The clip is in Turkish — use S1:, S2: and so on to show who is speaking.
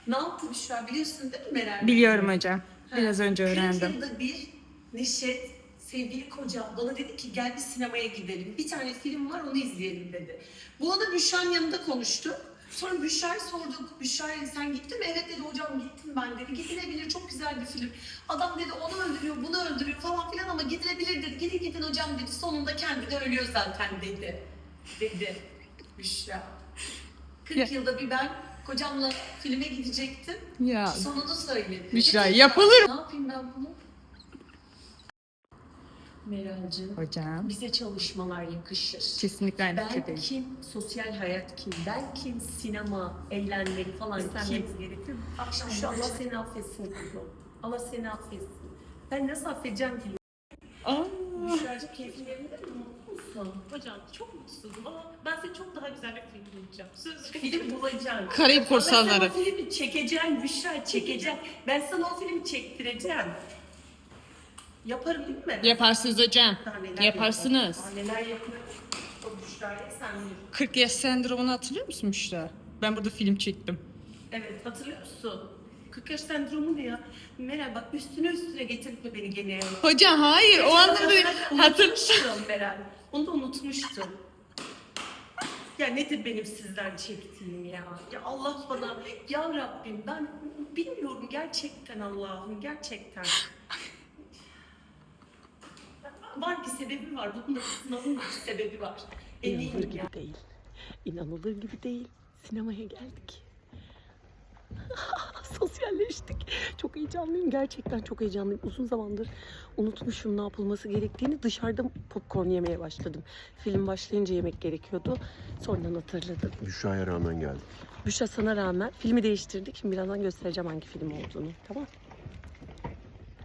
S1: Ne yaptı Büşra biliyorsun değil mi Meral?
S2: Biliyorum hocam. Biraz önce
S1: 40
S2: öğrendim.
S1: yılda bir Neşet, sevgili kocam bana dedi ki gel bir sinemaya gidelim. Bir tane film var onu izleyelim dedi. Bu arada Büşra'nın yanında konuştuk. Sonra Büşra'ya sorduk. Büşra'ya sen gittin mi? Evet dedi hocam gittim ben dedi. Gidilebilir çok güzel bir film. Adam dedi onu öldürüyor bunu öldürüyor falan filan ama gidilebilir dedi. Gidin gidin hocam dedi. Sonunda kendi de ölüyor zaten dedi. Dedi Büşra. 40 yılda bir ben kocamla filme gidecektim.
S2: Ya
S1: Sonunu söyledi.
S2: Büşra,
S1: Dedi,
S2: yapılır mı?
S1: Ne yapayım ben bunu? Meral'cığım,
S2: hocam.
S1: bize çalışmalar yakışır.
S2: Kesinlikle aynı
S1: Ben
S2: fikirdeyim.
S1: kim, sosyal hayat kim, ben kim, sinema, eğlenmek falan kim?
S2: gerekir.
S1: Akşam şu Allah seni affetsin kuzum. Allah seni affetsin. Ben nasıl affedeceğim ki? Büşra'cığım keyfin yerinde mi? Mutlu musun?
S3: Hocam çok mutsuzum ama ben size çok daha güzel bir film bulacağım. Söz
S1: Film bulacaksın.
S2: Karayip
S1: Ben
S2: Korsanları.
S1: sana o filmi çekeceğim Büşra, çekeceğim. Ben sana o filmi çektireceğim. Yaparım değil mi?
S2: Yaparsınız hocam.
S1: Daha neler
S2: Yaparsınız.
S1: yaparım. Daha neler yaparım. O Büşra'ya sen bilir.
S2: 40 yaş sendromunu hatırlıyor musun Büşra? Ben burada film çektim.
S1: Evet hatırlıyor musun? 40 yaş sendromu ne ya? Meral bak üstüne getirtme beni gene.
S2: Hocam hayır o anlamda hatır.
S1: Unutmuştum Meral. Onu da unutmuştum. Ya nedir benim sizden çektiğim ya? Ya Allah bana, ya Rabbim ben bilmiyorum gerçekten Allah'ım gerçekten. Var bir sebebi var. Bunun da sınavın bir sebebi var.
S4: İnanılır
S1: Eminim
S4: gibi
S1: ya.
S4: değil. İnanılır gibi değil. Sinemaya geldik. Sosyalleştik. Çok heyecanlıyım. Gerçekten çok heyecanlıyım. Uzun zamandır unutmuşum ne yapılması gerektiğini. Dışarıda popcorn yemeye başladım. Film başlayınca yemek gerekiyordu. Sonradan hatırladım.
S5: Büşra'ya rağmen geldik.
S4: Büşra sana rağmen filmi değiştirdik. Şimdi birazdan göstereceğim hangi film olduğunu. Tamam.